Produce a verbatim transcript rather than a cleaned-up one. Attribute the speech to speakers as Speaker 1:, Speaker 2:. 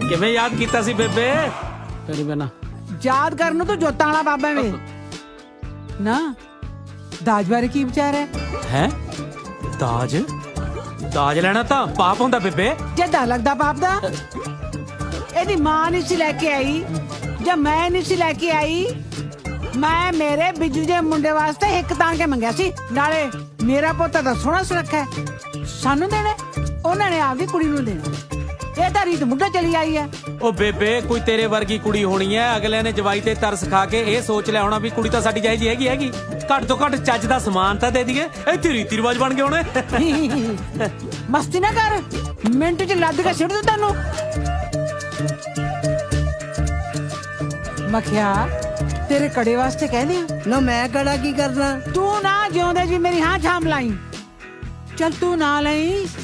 Speaker 1: ਕਿਵੇਂ ਯਾਦ ਕੀਤਾ ਸੀ ਬੇਬੇ? ਤੇਰੀ ਬਿਨਾ
Speaker 2: ਯਾਦ ਕਰਨ ਨੂੰ ਤੂੰ ਜੋਤਾਂ ਵਾਲਾ ਬਾਬਾ ਵੇ ਨਾ। ਦਾਜ ਬਾਰੇ ਕੀ ਵਿਚਾਰ ਹੈ?
Speaker 1: ਹੈ ਦਾਜ? ਦਾਜ ਲੈਣਾ ਤਾਂ ਪਾਪ ਹੁੰਦਾ ਬੇਬੇ।
Speaker 2: ਜਿੱਦਾਂ ਲੱਗਦਾ ਪਾਪ ਦਾ। ਇਹਦੀ ਮਾਂ ਨਹੀਂ ਸੀ ਲੈ ਕੇ ਆਈ ਜਾਂ ਮੈਂ ਨਹੀਂ ਸੀ ਲੈ ਕੇ ਆਈ। ਮੈਂ ਮੇਰੇ ਬਿੱਜੂ ਦੇ ਮੁੰਡੇ ਵਾਸਤੇ ਇੱਕ ਤਾਂ ਕੇ ਮੰਗਿਆ ਸੀ। ਨਾਲੇ ਮੇਰਾ ਪੁੱਤ ਤਾਂ ਸੋਹਣਾ ਸੁਰੱਖਿਆ ਸਾਨੂੰ ਦੇਣਾ, ਉਹਨਾਂ ਨੇ ਆਪਦੀ ਕੁੜੀ ਨੂੰ ਦੇਣਾ। ਇਹ ਤਾਂ ਰੀਤ ਮੁੱਢਾ ਚਲੀ ਆਈ ਹੈ।
Speaker 1: ਉਹ ਬੇਬੇ ਕੋਈ ਤੇਰੇ ਵਰਗੀ ਕੁੜੀ ਹੋਣੀ ਹੈ, ਅਗਲੇ ਨੇ ਜਵਾਈ ਤੇ ਤਰਸ ਖਾ ਕੇ ਇਹ ਸੋਚ ਲਿਆ ਹੋਣਾ ਵੀ ਕੁੜੀ ਤਾਂ ਸਾਡੀ ਜਾਇਜ਼ ਹੈਗੀ ਹੈਗੀ, ਘੱਟ ਤੋਂ ਘੱਟ ਚੱਜ ਦਾ ਸਮਾਨ ਤਾਂ ਦੇ ਦਈਏ। ਇੱਥੇ ਰੀਤੀ ਰਿਵਾਜ ਬਣ ਗਏ ਹੋਣੇ।
Speaker 2: ਮਸਤੀ ਨਾ ਕਰ, ਮਿੰਟ ਚ ਲੱਦ ਕੇ ਸਿੱਟ ਦੂੰ ਤੈਨੂੰ। ਮਖਿਆ ਤੇਰੇ ਕੜੇ ਵਾਸਤੇ ਕਹਿੰਦੇ ਆ
Speaker 3: ਨਾ ਮੈਂ ਕੜਾ ਕੀ ਕਰਨਾ?
Speaker 2: ਤੂੰ ਨਾ ਜਿਉਂਦੇ ਜੀ ਮੇਰੀ ਹਾਂ ਛਾਮ ਲਾਈ। ਚੱਲ ਤੂੰ ਨਾ ਲਈ